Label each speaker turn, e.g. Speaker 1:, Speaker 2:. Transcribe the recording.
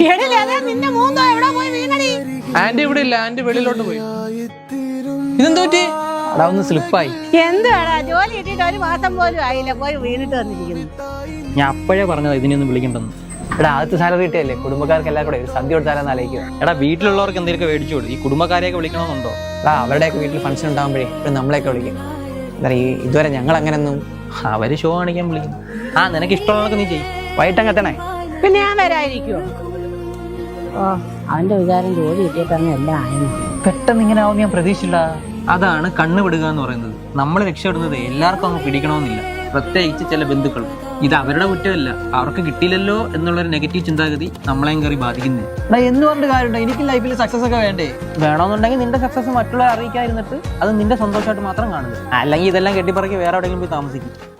Speaker 1: നിന്റെ മൂന്നോ എവിടെ പോയി വീണടി?
Speaker 2: ആന്റി ഇവിടെ ഇല്ല, ആന്റി വെളിയിലോട്ട് പോയി. ഇതെന്ത് പറ്റി?
Speaker 3: അവിടെ ഒന്ന് സ്ലിപ്പായി.
Speaker 1: എന്തുവാടാ, ജോലി കിട്ടിയിട്ട് 1 മാസം പോലും ആയില്ല, പോയി വീണിട്ട് വന്നിരിക്കുന്നു.
Speaker 3: ഞാൻ അപ്പോഴേ പറഞ്ഞതാ ഇതിനൊന്നും വിളിക്കണ്ടെന്ന്. എടാ ആദ്യത്തെ സാലറി കിട്ടിയല്ലേ, കുടുംബക്കാർക്ക് എല്ലാം കൂടെ ഒരു സദ്യ കൊടുത്താലെന്ന് ആലോചിക്കുക. എടാ വീട്ടിലുള്ളവർക്ക് എന്തെങ്കിലും മേടിച്ചു കൊടുക്കും, ഈ കുടുംബക്കാരെയൊക്കെ വിളിക്കണമെന്നുണ്ടോ? എടാ അവരുടെയൊക്കെ വീട്ടിൽ ഫംഗ്ഷൻ ഉണ്ടാകുമ്പോഴേ ഇപ്പം നമ്മളെയൊക്കെ വിളിക്കും. എന്താ പറയുക, ഇതുവരെ ഞങ്ങൾ അങ്ങനെയൊന്നും. അവര് ഷോ കാണിക്കാൻ വിളിക്കും. നിനക്ക് ഇഷ്ടമുള്ളതൊക്കെ നീ ചെയ്യും. വൈകിട്ടങ്ങെത്തണേ.
Speaker 1: പിന്നെ ഞാൻ വരാതിരിക്കുവോ? അവന്റെ വിചാരം ജോലി കിട്ടിയിട്ടാണ് എല്ലാം ആയിരുന്നു.
Speaker 3: പെട്ടെന്ന് ഇങ്ങനെ ആവും ഞാൻ പ്രതീക്ഷിച്ചില്ല. അതാണ് കണ്ണ് വിടുക എന്ന് പറയുന്നത്. നമ്മൾ രക്ഷപ്പെടുന്നത് എല്ലാവർക്കും അങ്ങ് പിടിക്കണമെന്നില്ല, പ്രത്യേകിച്ച് ചില ബന്ധുക്കൾ. ഇത് അവരുടെ കുറ്റമല്ല, അവർക്ക് കിട്ടിയില്ലല്ലോ എന്നുള്ളൊരു നെഗറ്റീവ് ചിന്താഗതി നമ്മളെയും കയറി ബാധിക്കുന്നത്. എന്ന് പറഞ്ഞിട്ട് കാര്യമുണ്ടോ? എനിക്ക് ലൈഫിൽ സക്സസ് ഒക്കെ വേണ്ടേ? വേണമെന്നുണ്ടെങ്കിൽ നിന്റെ സക്സസ് മറ്റുള്ളവരെ അറിയിക്കാതിരുന്നിട്ട് അത് നിന്റെ സന്തോഷമായിട്ട് മാത്രം കാണുക, അല്ലെങ്കിൽ ഇതെല്ലാം കെട്ടിപ്പറക്കി വേറെ എവിടെയെങ്കിലും പോയി താമസിക്കും.